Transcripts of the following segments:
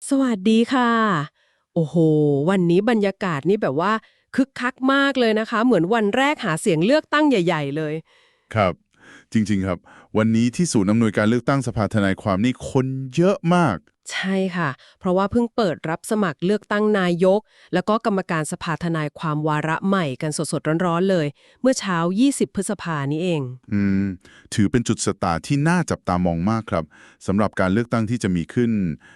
สวัสดีค่ะโอ้โหวันนี้บรรยากาศนี่แบบว่าคึกคักมากเลยนะคะเหมือนวันแรกหาเสียงเลือกตั้งใหญ่ๆเลยครับจริงๆครับวันนี้ที่ศูนย์อำนวยการเลือกตั้งสภาทนายความนี่คนเยอะมากใช่ค่ะเพราะว่าเพิ่งเปิดรับสมัครเลือกตั้งนายกแล้วก็กรรมการสภาทนายความวาระใหม่กันสดๆร้อนๆเลยเมื่อเช้า20พฤษภานี้เองอืมถือเป็นจุดสตาร์ทที่น่าจับตามองมากครับสำหรับการเลือกตั้งที่จะมีขึ้น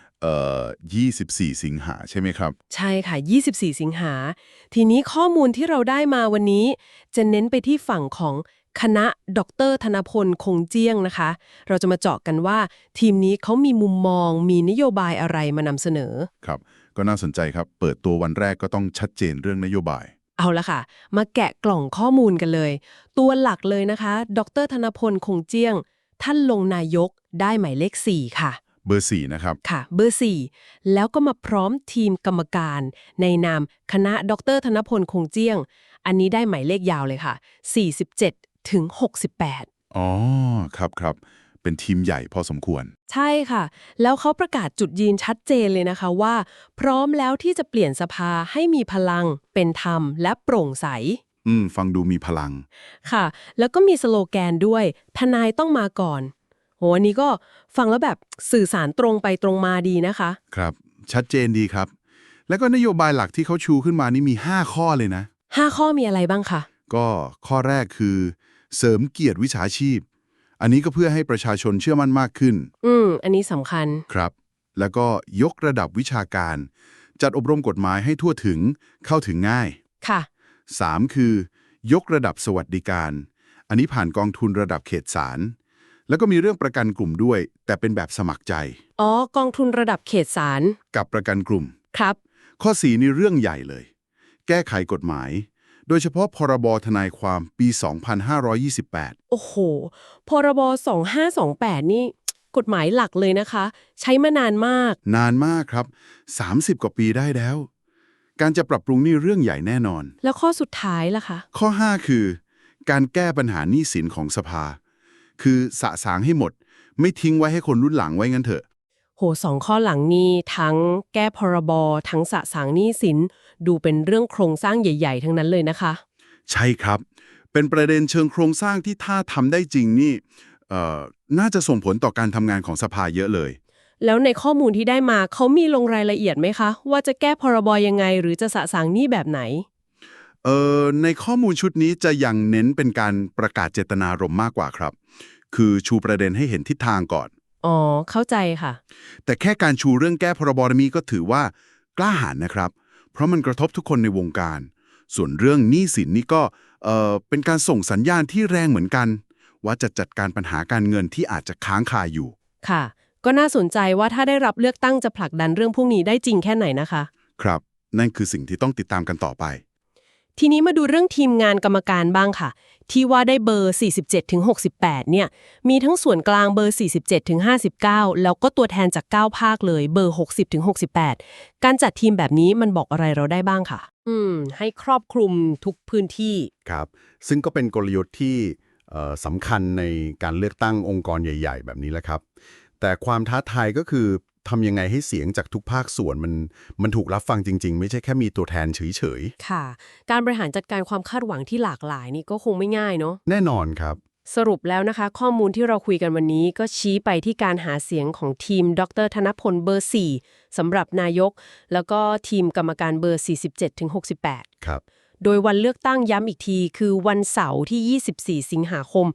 24 สิงหาใช่ไหมครับใช่ค่ะ24สิงหาทีนี้ข้อมูลที่เราได้มาวันนี้จะเน้นไปที่ฝั่งของคณะดรธนพลคงเจี้ยงนะคะเราจะมาเจาะกันว่าทีมนี้เขามีมุมมองมีนโยบายอะไรมานำเสนอครับก็น่าสนใจครับเปิดตัววันแรกก็ต้องชัดเจนเรื่องนโยบายเอาละค่ะมาแกะกล่องข้อมูลกันเลย ตัวหลักเลยนะคะดรธนพลคงเจี้ยงท่านลงนายกได้หมายเลข4ค่ะเบอร์4นะครับค่ะเบอร์4แล้วก็มาพร้อมทีมกรรมการในนามคณะดรธนพลคงเจี้ยงอันนี้ได้หมายเลขยาวเลยค่ะ47ถึง68 อ๋อครับเป็นทีมใหญ่พอสมควรใช่ค่ะแล้วเขาประกาศจุดยืนชัดเจนเลยนะคะว่าพร้อมแล้วที่จะเปลี่ยนสภาให้มีพลังเป็นธรรมและโปร่งใสฟังดูมีพลังค่ะแล้วก็มีสโลแกนด้วยทนายต้องมาก่อนโหอันนี้ก็ฟังแล้วแบบสื่อสารตรงไปตรงมาดีนะคะครับชัดเจนดีครับแล้วก็นโยบายหลักที่เขาชูขึ้นมานี่มี5ข้อเลยนะ 5ข้อมีอะไรบ้างคะก็ข้อแรกคือเสริมเกียรติวิชาชีพอันนี้ก็เพื่อให้ประชาชนเชื่อมั่นมากขึ้นอันนี้สำคัญครับแล้วก็ยกระดับวิชาการจัดอบรมกฎหมายให้ทั่วถึงเข้าถึงง่ายค่ะ 3คือยกระดับสวัสดิการอันนี้ผ่านกองทุนระดับเขตศาลแล้วก็มีเรื่องประกันกลุ่มด้วยแต่เป็นแบบสมัครใจอ๋อกองทุนระดับเขตศาลกับประกันกลุ่มครับข้อ4นี่เรื่องใหญ่เลย แก้ไขกฎหมายโดยเฉพาะพรบทนายความปี 2528 โอ้โหพรบ2528นี่กฎหมายหลักเลยนะคะ ใช้มานานมากนานมากครับ30 กว่าปีได้แล้ว การจะปรับปรุงนี่เรื่องใหญ่แน่นอนแล้วข้อสุดท้ายล่ะคะข้อ5คือการแก้ปัญหาหนี้สินของสภา คือสะสางให้หมด ไม่ทิ้งไว้ให้คนรุ่นหลังไว้งั้นเถอะโหสองข้อหลังนี้ทั้งแก้พรบทั้งสะสางหนี้สินดูเป็นเรื่องโครงสร้างใหญ่ๆทั้งนั้นเลยนะคะใช่ครับ เป็นประเด็นเชิงโครงสร้างที่ถ้าทำได้จริงนี่น่าจะส่งผลต่อการทำงานของสภาเยอะเลยแล้วในข้อมูลที่ได้มาเขามีลงรายละเอียดไหมคะว่าจะแก้พรบยังไงหรือจะสะสางหนี้แบบไหนในข้อมูลชุดนี้จะยังเน้นเป็นการประกาศเจตนารมณ์มากกว่าครับ คือชูประเด็นให้เห็นทิศทางก่อนอ๋อเข้าใจค่ะแต่แค่การชูเรื่องแก้พรบนี้ก็ถือว่ากล้าหาญนะครับ เพราะมันกระทบทุกคนในวงการ ส่วนเรื่องหนี้สินนี่ก็เป็นการส่งสัญญาณที่แรงเหมือนกัน ว่าจะจัดการปัญหาการเงินที่อาจจะค้างคาอยู่ค่ะ ก็น่าสนใจว่าถ้าได้รับเลือกตั้งจะผลักดันเรื่องพวกนี้ได้จริงแค่ไหนนะคะครับ นั่นคือสิ่งที่ต้องติดตามกันต่อไปทีนี้มาดูเรื่องทีมงานกรรมการบ้างค่ะ ที่ว่าได้เบอร์ 47ถึง68เนี่ยมีทั้งส่วนกลางเบอร์ 47ถึง59แล้วก็ตัวแทนจาก9ภาคเลยเบอร์60ถึง68การจัดทีมแบบนี้มันบอกอะไรเราได้บ้างค่ะให้ครอบคลุมทุกพื้นที่ครับซึ่งก็เป็นกลยุทธ์ที่สำคัญในการเลือกตั้งองค์กรใหญ่ๆแบบนี้แหละครับแต่ความท้าทายก็คือทำยังไงให้เสียงจากทุกภาคส่วนมันถูกรับฟังจริงๆไม่ใช่แค่มีตัวแทนเฉยๆค่ะการบริหารจัดการความคาดหวังที่หลากหลายนี่ก็คงไม่ง่ายเนาะแน่นอนครับสรุปแล้วนะคะข้อมูลที่เราคุยกันวันนี้ก็ชี้ไปที่การหาเสียงของทีมดรธนพลเบอร์4สำหรับนายกแล้วก็ทีมกรรมการเบอร์47ถึง68 ครับโดยวันเลือกตั้งย้ำอีกทีคือวันเสาร์ที่24สิงหาคม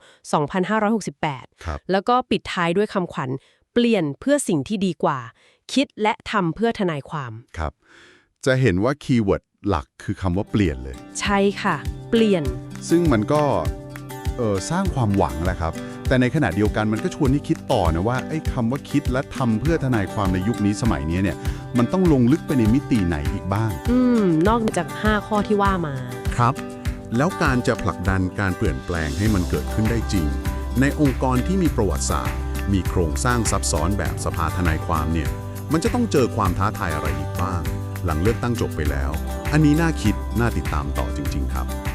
2568 ครับแล้วก็ปิดท้ายด้วยคำขวัญเปลี่ยนเพื่อสิ่งที่ดีกว่าคิดและทำเพื่อทนายความครับจะเห็นว่าคีย์เวิร์ดหลักคือคำว่าเปลี่ยนเลยใช่ค่ะเปลี่ยนซึ่งมันก็สร้างความหวังแหละครับแต่ในขณะเดียวกันมันก็ชวนให้คิดต่อนะว่าไอ้คำว่าคิดและทำเพื่อทนายความในยุคนี้สมัยนี้เนี่ยมันต้องลงลึกไปในมิติไหนอีกบ้างนอกจาก5ข้อที่ว่ามาครับแล้วการจะผลักดันการเปลี่ยนแปลงให้มันเกิดขึ้นได้จริงในองค์กรที่มีประวัติศาสตร์มีโครงสร้างซับซ้อนแบบสภาทนายความเนี่ยมันจะต้องเจอความท้าทายอะไรอีกบ้างหลังเลือกตั้งจบไปแล้วอันนี้น่าคิดน่าติดตามต่อจริงๆครับ